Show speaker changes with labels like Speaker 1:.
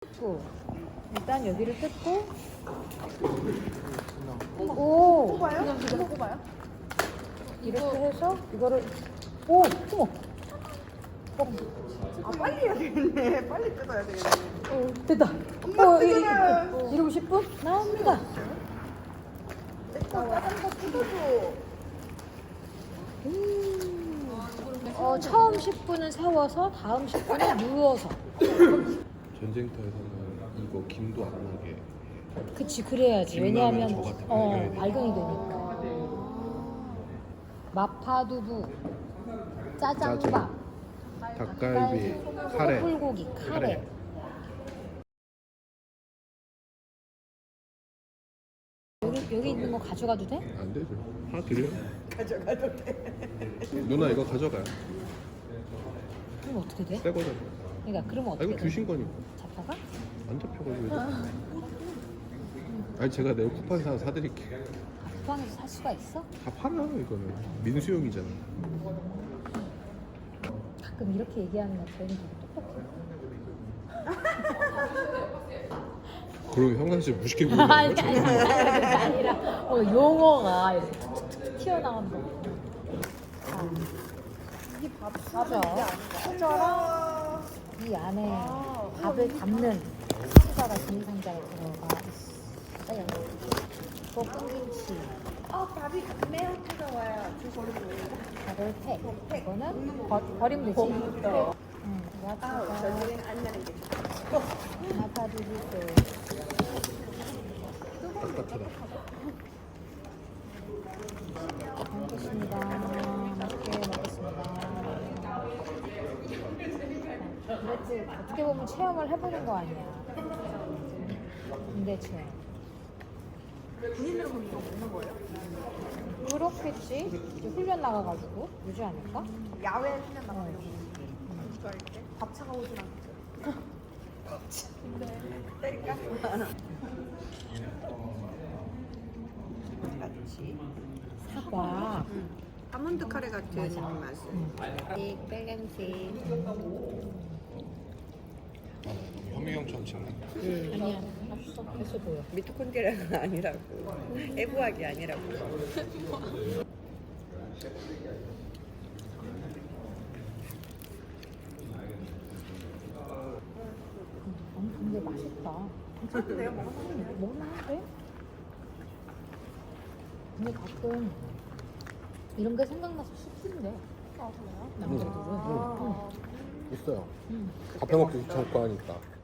Speaker 1: 뜯고 일단 여기를 뜯고 오
Speaker 2: 뽑아요? 이거 뽑아요?
Speaker 1: 이렇게 해서 이거를 오 어머
Speaker 2: 아 빨리 해야 되겠네. 빨리 뜯어야 되겠네.
Speaker 1: 됐다.
Speaker 2: 엄마 뜯어라.
Speaker 1: 이러고 10분 나옵니다.
Speaker 2: 내거 작은 거 뜯어줘.
Speaker 1: 처음 10분은 세워서 다음 10분은 누워서.
Speaker 3: 전쟁터에서는 이거 김도 안 나게
Speaker 1: 그치 그래야지.
Speaker 3: 김
Speaker 1: 왜냐하면
Speaker 3: 라면 저 같은 거 해야 돼.
Speaker 1: 발경이 되니까. 마파두부, 짜장밥,
Speaker 3: 닭갈비, 카레,
Speaker 1: 소불고기, 카레. 여기 있는 거 가져가도 돼?
Speaker 3: 안 되죠. 하나 드려.
Speaker 2: 가져가도 돼.
Speaker 3: 누나 이거 가져가요.
Speaker 1: 그럼 어떻게 돼?
Speaker 3: 새 거잖아.
Speaker 1: 그러니까 그러면
Speaker 3: 아
Speaker 1: 어떻게
Speaker 3: 이거
Speaker 1: 돼?
Speaker 3: 주신 거니까
Speaker 1: 잡혀가?
Speaker 3: 안 잡혀가지고. 아니 제가 내일 쿠팡 사서 사드릴게요.
Speaker 1: 쿠팡에서 살 수가 있어?
Speaker 3: 다 팔아요 이거는. 민수용이잖아.
Speaker 1: 가끔 이렇게 얘기하는 거 저희는 되게 똑똑해.
Speaker 3: 그럼 형광 씨 무식해 보이는
Speaker 1: 아니
Speaker 3: 거죠?
Speaker 1: 아니라 용어가 이렇게 툭툭툭 튀어나온다.
Speaker 2: 이게 밥
Speaker 1: 맞아. 수저랑 이 안에 밥을 담는 상자가 비닐상자가 들어가 있어요. 또 끈김치,
Speaker 2: 밥이 매우 뜨거워요. 주소를
Speaker 1: 밥을 팩. 이거는 버리면 되지. 야채가
Speaker 2: 저녁엔 안 나는 게 좋아.
Speaker 1: 마파두부
Speaker 3: 딱딱하다.
Speaker 1: 먹겠습니다. 맛있게 먹겠습니다. 그래도 어떻게 보면 체험을 해보는 거 아니야. 군대 체험.
Speaker 2: 군인으로 그럼 이거 먹는 거예요?
Speaker 1: 그렇겠지. 이제 훈련 나가가지고 유지 않을까?
Speaker 2: 야외 훈련 나가려고. 이거 할 때? 밥차가 오진 않죠. 근데 때릴까? 같이.
Speaker 1: 사과.
Speaker 2: 아몬드 카레 같은 맛은. 빨간색.
Speaker 3: 현미경처럼 찍네.
Speaker 1: 아니야. 없어. 됐어 보여.
Speaker 2: 미토콘드리아가 아니라고. 애부학이 아니라고.
Speaker 1: 근데 맛있다.
Speaker 2: 내가 먹었는데.
Speaker 1: 먹을만한데? 근데 가끔 이런 게 생각나서 싶은데.
Speaker 2: 아, 그래요?
Speaker 1: 남자들은.
Speaker 3: 있어요. 밥 해먹기 귀찮고 하니까.